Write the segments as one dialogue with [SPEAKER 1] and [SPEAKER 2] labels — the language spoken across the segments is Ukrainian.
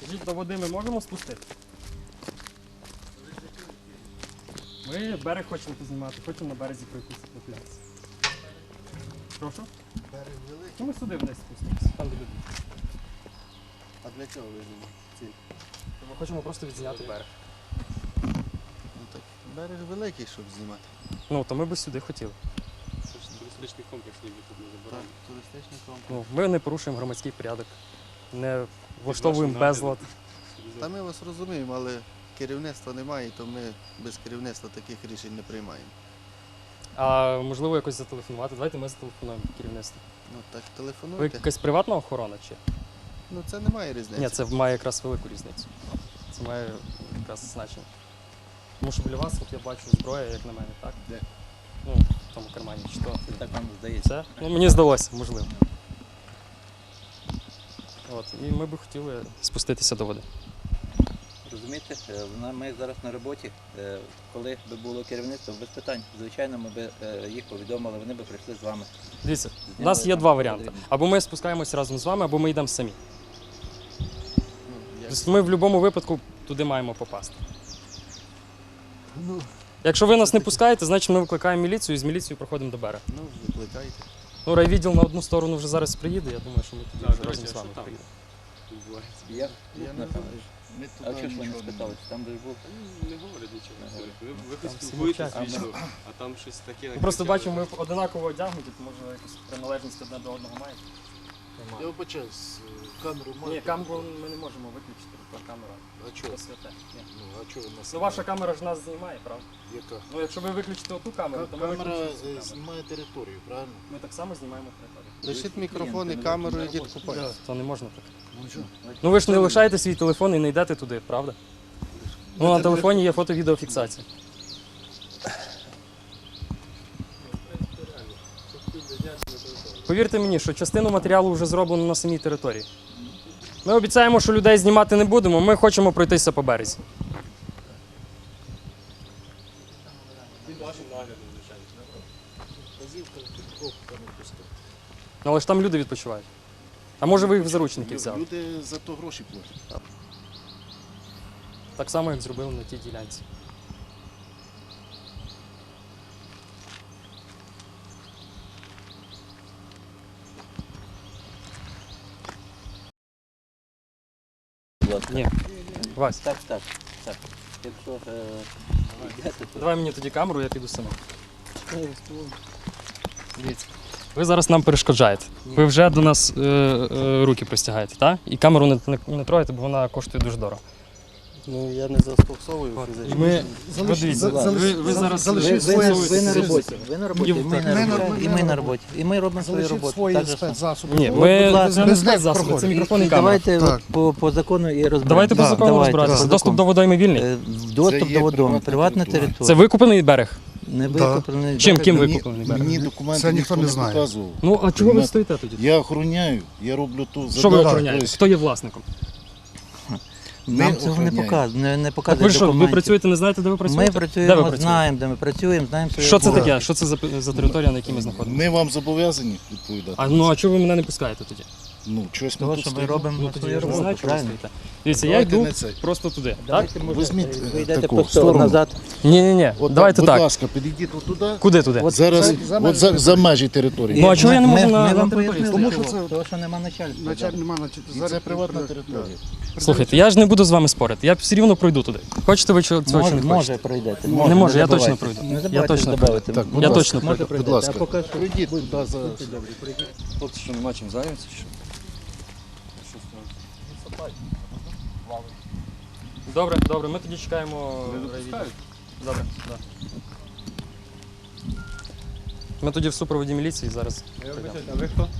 [SPEAKER 1] Скажіть, до води ми можемо спустити? Ми берег хочемо познімати, хочемо на березі пройтися по пляці. Прошу?
[SPEAKER 2] Берег великий.
[SPEAKER 1] Ну ми сюди вниз спустимося, там де люди.
[SPEAKER 2] А для чого ви знімаєте?
[SPEAKER 1] Ми хочемо просто відзняти берег.
[SPEAKER 2] Ну так, берег великий, щоб знімати.
[SPEAKER 1] Ну, то ми б сюди хотіли.
[SPEAKER 3] Це ж туристичний комплекс ніби тут не
[SPEAKER 2] Так,
[SPEAKER 3] заборонено.
[SPEAKER 2] туристичний комплекс.
[SPEAKER 1] Ну, ми не порушуємо громадський порядок, не влаштовуємо безлад.
[SPEAKER 2] Та ми вас розуміємо, але керівництва немає, то ми без керівництва таких рішень не приймаємо.
[SPEAKER 1] А можливо якось зателефонувати? Давайте ми зателефонуємо керівництву.
[SPEAKER 2] Ну так,
[SPEAKER 1] Ви
[SPEAKER 2] телефонуйте.
[SPEAKER 1] якась приватна охорона чи?
[SPEAKER 2] Ну це немає різниці.
[SPEAKER 1] Ні, це має якраз велику різницю. Це має якраз значення. Тому що біля вас, от я бачу зброя, як на мене, так?
[SPEAKER 2] Де?
[SPEAKER 1] Ну, в тому кармані. Чи то?
[SPEAKER 4] Так вам здається.
[SPEAKER 1] Це? Ну, мені здалося, можливо. От, і ми би хотіли спуститися до води.
[SPEAKER 4] Розумієте, ми зараз на роботі, коли би було керівництво, без питань, звичайно, ми б їх повідомили, вони б прийшли з вами.
[SPEAKER 1] Дивіться, у нас є два варіанти. Або ми спускаємося разом з вами, або ми йдемо самі.
[SPEAKER 2] Ну, як...
[SPEAKER 1] Тобто ми в будь-якому випадку туди маємо попасти.
[SPEAKER 2] ну,
[SPEAKER 1] Якщо ви нас не пускаєте, значить ми викликаємо міліцію і з міліцією проходимо до берега.
[SPEAKER 2] ну, викликайте.
[SPEAKER 1] Ну, райвідділ на одну сторону вже зараз приїде, я думаю, що ми тоді
[SPEAKER 3] Так,
[SPEAKER 1] вже
[SPEAKER 3] до
[SPEAKER 1] разом
[SPEAKER 3] речі,
[SPEAKER 1] з вами
[SPEAKER 3] а що там?
[SPEAKER 1] приїдемо.
[SPEAKER 3] Відбувається.
[SPEAKER 2] Я не знаю. Ми
[SPEAKER 4] А
[SPEAKER 2] туди
[SPEAKER 4] чого ж ви не
[SPEAKER 2] нічого не
[SPEAKER 4] спитали, там де ж був?
[SPEAKER 3] Не говорять нічого. Ви
[SPEAKER 1] Там
[SPEAKER 3] хоч
[SPEAKER 1] всі
[SPEAKER 3] спілкуєтесь
[SPEAKER 1] мовчать.
[SPEAKER 3] вічно, а там щось таке.
[SPEAKER 1] Ми просто бачимо, ми одинаково одягнуті, то може якусь приналежність одне до одного маємо.
[SPEAKER 5] Я вибачаюсь, камеру
[SPEAKER 1] Ні,
[SPEAKER 5] маєте?
[SPEAKER 1] камеру ми не можемо виключити, бо камера
[SPEAKER 5] А чого?
[SPEAKER 1] то святе. Ні.
[SPEAKER 5] Ну, а чого ви нас?
[SPEAKER 1] Ну ваша камера ж нас знімає, правда?
[SPEAKER 5] Яка?
[SPEAKER 1] Ну якщо ви виключите оту камеру, то ми
[SPEAKER 5] Камера
[SPEAKER 1] виключимо цю камеру.
[SPEAKER 5] знімає територію, правильно?
[SPEAKER 1] Ми так само знімаємо територію.
[SPEAKER 2] Лишіть мікрофон і камеру, ідіть купайте.
[SPEAKER 1] То не можна так.
[SPEAKER 5] Ну що?
[SPEAKER 1] Ну ви ж не лишаєте свій телефон і не йдете туди, правда? Ну на телефоні є фото-відеофіксація. Повірте мені, що частину матеріалу вже зроблено на самій території. Ми обіцяємо, що людей знімати не будемо, ми хочемо пройтися по березі.
[SPEAKER 3] Під вашим наглядом, звичайно.
[SPEAKER 5] Вказівка, кого там не пускати.
[SPEAKER 1] Ну, але ж там люди відпочивають. А може ви їх в заручники взяли?
[SPEAKER 5] Люди за то гроші платять.
[SPEAKER 1] Так само, як зробили на тій ділянці.
[SPEAKER 4] Будь ласка.
[SPEAKER 1] Ні. Вась,
[SPEAKER 4] Так. Якщо йдете, то
[SPEAKER 1] давай мені тоді камеру, я піду сама. Дивіться. Ви зараз нам перешкоджаєте. Ви вже до нас руки простягаєте, так? І камеру не трогаєте, бо вона коштує дуже дорого.
[SPEAKER 2] Ну я не застосовую
[SPEAKER 1] І
[SPEAKER 2] фізично.
[SPEAKER 1] ми... Подивіться, ви зараз...
[SPEAKER 4] ви на роботі. Ви на роботі,
[SPEAKER 1] Ні,
[SPEAKER 4] ми на роботі. І ми на роботі. І ми робимо свою
[SPEAKER 5] Залишіть
[SPEAKER 4] роботу.
[SPEAKER 5] свої
[SPEAKER 4] Так же само.
[SPEAKER 5] спецзасоби.
[SPEAKER 1] Ні,
[SPEAKER 4] Будь
[SPEAKER 1] ми...
[SPEAKER 4] ласка,
[SPEAKER 1] Це не
[SPEAKER 5] без них
[SPEAKER 1] спецзасоби, це
[SPEAKER 5] проходить.
[SPEAKER 1] мікрофон і
[SPEAKER 4] І
[SPEAKER 1] камера.
[SPEAKER 4] давайте
[SPEAKER 5] Так.
[SPEAKER 4] по закону і розберемося.
[SPEAKER 1] Давайте по закону
[SPEAKER 4] Давайте,
[SPEAKER 1] розбиратися.
[SPEAKER 4] по
[SPEAKER 1] Доступ
[SPEAKER 4] закону.
[SPEAKER 1] до водойми вільний.
[SPEAKER 4] Доступ
[SPEAKER 5] Це є
[SPEAKER 4] до водойми, приватна
[SPEAKER 5] територія.
[SPEAKER 4] територія.
[SPEAKER 1] Це викуплений берег?
[SPEAKER 4] Не
[SPEAKER 5] Да.
[SPEAKER 4] викуплений.
[SPEAKER 1] Чим? Ким
[SPEAKER 5] Мені-
[SPEAKER 1] викуплений берег?
[SPEAKER 5] Мені
[SPEAKER 6] документи
[SPEAKER 5] це ніхто не знає.
[SPEAKER 6] показував.
[SPEAKER 1] Ну, а чого ви стоїте тоді?
[SPEAKER 6] Я охороняю, я роблю ту
[SPEAKER 1] Що ви
[SPEAKER 6] задачу.
[SPEAKER 1] охороняєте?
[SPEAKER 6] Тобто,
[SPEAKER 1] Хто є власником?
[SPEAKER 4] Нам
[SPEAKER 6] Ми
[SPEAKER 4] цього не
[SPEAKER 6] охороняємо.
[SPEAKER 4] показує, не
[SPEAKER 1] Так
[SPEAKER 4] показує
[SPEAKER 1] ви що, ви
[SPEAKER 4] документів.
[SPEAKER 1] працюєте, не знаєте, де ви
[SPEAKER 4] Ми
[SPEAKER 1] працюєте? Де ви
[SPEAKER 4] працюємо,
[SPEAKER 1] працюєте?
[SPEAKER 4] знаємо, де ми працюємо, знаємо свої
[SPEAKER 1] Що це
[SPEAKER 4] обов'язки.
[SPEAKER 1] таке? Що це за територія, на якій ми знаходимося?
[SPEAKER 6] Ми вам зобов'язані відповідати.
[SPEAKER 1] А чого ви мене не пускаєте тоді?
[SPEAKER 6] Ну, щось ми
[SPEAKER 4] Того,
[SPEAKER 6] тут
[SPEAKER 4] що ми
[SPEAKER 6] стоїмо.
[SPEAKER 4] робимо
[SPEAKER 1] Ну тоді
[SPEAKER 4] свою
[SPEAKER 1] я ж не знаю,
[SPEAKER 4] роботу,
[SPEAKER 1] чого ви
[SPEAKER 4] правильно?
[SPEAKER 1] стоїте. Дивіться, я
[SPEAKER 6] Давайте
[SPEAKER 1] йду
[SPEAKER 6] не це.
[SPEAKER 1] просто туди, так?
[SPEAKER 4] Давайте, може,
[SPEAKER 6] Візьміть,
[SPEAKER 4] ви йдете
[SPEAKER 6] таку,
[SPEAKER 4] просто
[SPEAKER 6] сторону.
[SPEAKER 4] назад.
[SPEAKER 1] Ні,
[SPEAKER 6] От,
[SPEAKER 1] давайте
[SPEAKER 6] будь
[SPEAKER 1] так.
[SPEAKER 6] ласка, підійдіть отуди.
[SPEAKER 1] Куди туди?
[SPEAKER 6] Зараз за межі території.
[SPEAKER 1] Ну, а чого я не можу
[SPEAKER 4] Ми
[SPEAKER 1] на
[SPEAKER 4] вам
[SPEAKER 1] території
[SPEAKER 4] пояснили,
[SPEAKER 5] Тому що
[SPEAKER 4] чого.
[SPEAKER 5] це-
[SPEAKER 4] Того, що нема начальства.
[SPEAKER 5] Нема,
[SPEAKER 6] Це приватна територія.
[SPEAKER 1] Слухайте, я ж не буду з вами спорити. Я все рівно пройду туди. Хочете ви цього чи не хочете?
[SPEAKER 4] Може пройдете.
[SPEAKER 1] Не може, я
[SPEAKER 4] забувайте.
[SPEAKER 1] точно пройду.
[SPEAKER 4] Не
[SPEAKER 1] Я
[SPEAKER 4] забувайте
[SPEAKER 1] точно
[SPEAKER 4] добавити.
[SPEAKER 6] Так, будь
[SPEAKER 1] Я
[SPEAKER 6] ласка.
[SPEAKER 1] точно
[SPEAKER 4] Може
[SPEAKER 1] пройду.
[SPEAKER 4] пройдете.
[SPEAKER 6] ласка.
[SPEAKER 4] А поки що
[SPEAKER 6] Прийдіть туди за...
[SPEAKER 2] Хлопці, що нема чим зайнятися?
[SPEAKER 1] Добре, ми тоді чекаємо.
[SPEAKER 3] Не допускають?
[SPEAKER 1] Добре, так. Ми тоді в супроводі міліції зараз.
[SPEAKER 3] А ви хто?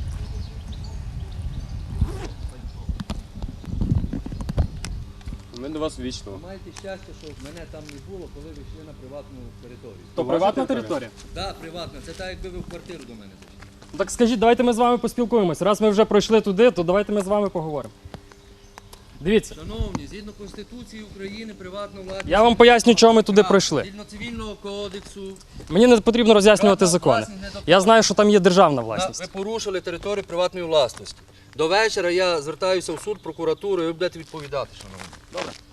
[SPEAKER 3] Ми до вас вічно.
[SPEAKER 7] Маєте щастя, що мене там не було, коли ви йшли на приватну територію.
[SPEAKER 1] То приватна територія?
[SPEAKER 7] Так, приватна. Це так, якби ви в квартиру до мене зайшли.
[SPEAKER 1] Ну, так скажіть, давайте ми з вами поспілкуємось. Раз ми вже пройшли туди, то давайте ми з вами поговоримо. Дивіться,
[SPEAKER 7] Шановні, згідно Конституції України, приватна власність.
[SPEAKER 1] я вам поясню, чого ми туди
[SPEAKER 7] Так,
[SPEAKER 1] пройшли.
[SPEAKER 7] Згідно цивільного кодексу.
[SPEAKER 1] Мені не потрібно роз'яснювати
[SPEAKER 7] Приватна
[SPEAKER 1] закони.
[SPEAKER 7] власність не
[SPEAKER 1] Я знаю, що там є державна
[SPEAKER 7] Ви
[SPEAKER 1] власність.
[SPEAKER 7] порушили територію приватної власності. До вечора я звертаюся в суд, прокуратуру, і ви будете відповідати, шановні.
[SPEAKER 2] Добре.